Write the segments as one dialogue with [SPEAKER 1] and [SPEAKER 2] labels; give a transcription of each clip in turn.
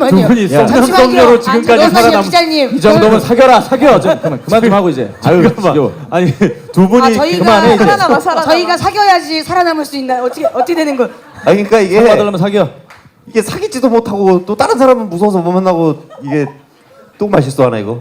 [SPEAKER 1] 잠시만요.
[SPEAKER 2] 두 분이
[SPEAKER 1] 잠시만요.
[SPEAKER 2] 썸녀로 지금까지
[SPEAKER 1] 잠시만요,
[SPEAKER 2] 살아남.
[SPEAKER 1] 기자님.
[SPEAKER 2] 이 정도면 사겨라 사겨. 좀 그만 좀 하고 이제. 아유 지겨워. 아니 두 분이
[SPEAKER 1] 저희가
[SPEAKER 2] 그만해 이제.
[SPEAKER 1] 저희가 사겨야지 살아남을 수 있나? 어떻게 되는 거?
[SPEAKER 3] 아 그러니까 이게
[SPEAKER 2] 받으려면 사겨.
[SPEAKER 3] 이게 사귀지도 못하고 또 다른 사람은 무서워서 못 만나고 이게 또 말실수하나 이거?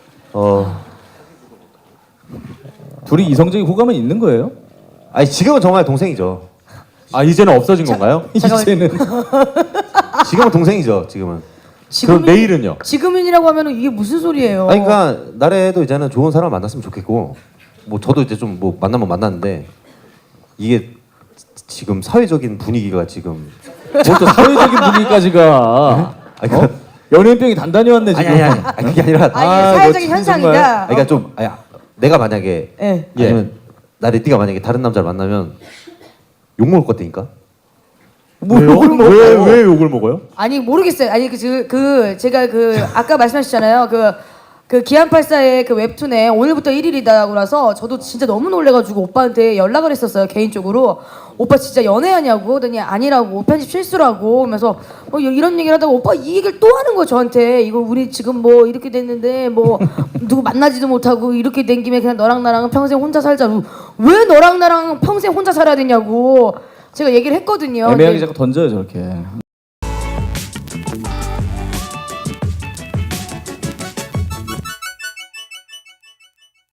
[SPEAKER 2] 둘이 이성적인 호감은 있는 거예요?
[SPEAKER 3] 아니 지금은 정말 동생이죠.
[SPEAKER 2] 아 이제는 없어진 건가요? 이제는.
[SPEAKER 3] 지금은 동생이죠. 지금은.
[SPEAKER 2] 그럼 내일은요?
[SPEAKER 1] 지금은이라고 하면은 이게 무슨 소리예요?
[SPEAKER 3] 아니 그러니까 나래도 이제는 좋은 사람 만났으면 좋겠고 뭐 저도 이제 좀 뭐 만나면 만났는데 이게 지금 사회적인 분위기가 지금
[SPEAKER 2] 뭘또 사회적인 분위기까지가.
[SPEAKER 3] 아니,
[SPEAKER 2] 어? 연예인병이 단단히 왔네 지금.
[SPEAKER 3] 아니 그게 아니라
[SPEAKER 1] 아, 이게
[SPEAKER 2] 아,
[SPEAKER 1] 사회적인
[SPEAKER 2] 이거
[SPEAKER 1] 현상이다.
[SPEAKER 2] 정말.
[SPEAKER 3] 그러니까 좀 내가 만약에
[SPEAKER 1] 예.
[SPEAKER 3] 아니면 나래띠가 만약에 다른 남자를 만나면 욕 먹을 것 같다니까.
[SPEAKER 2] 왜요? 왜 욕을 먹어요?
[SPEAKER 1] 아니 모르겠어요. 아니 제가 아까 말씀하셨잖아요. 그 기안84의 그 웹툰에 오늘부터 1일이다고 나서 저도 진짜 너무 놀래가지고 오빠한테 연락을 했었어요 개인적으로. 오빠 진짜 연애하냐고 그러더니 아니라고 편집 실수라고 하면서 이런 얘기를 하다가 오빠 이 얘기를 또 하는 거 저한테. 이거 우리 지금 뭐 이렇게 됐는데 뭐 누구 만나지도 못하고 이렇게 된 김에 그냥 너랑 나랑 평생 혼자 살자. 왜 너랑 나랑 평생 혼자 살아야 되냐고 제가 얘기를 했거든요.
[SPEAKER 2] 애매하게 자꾸 던져요 저렇게.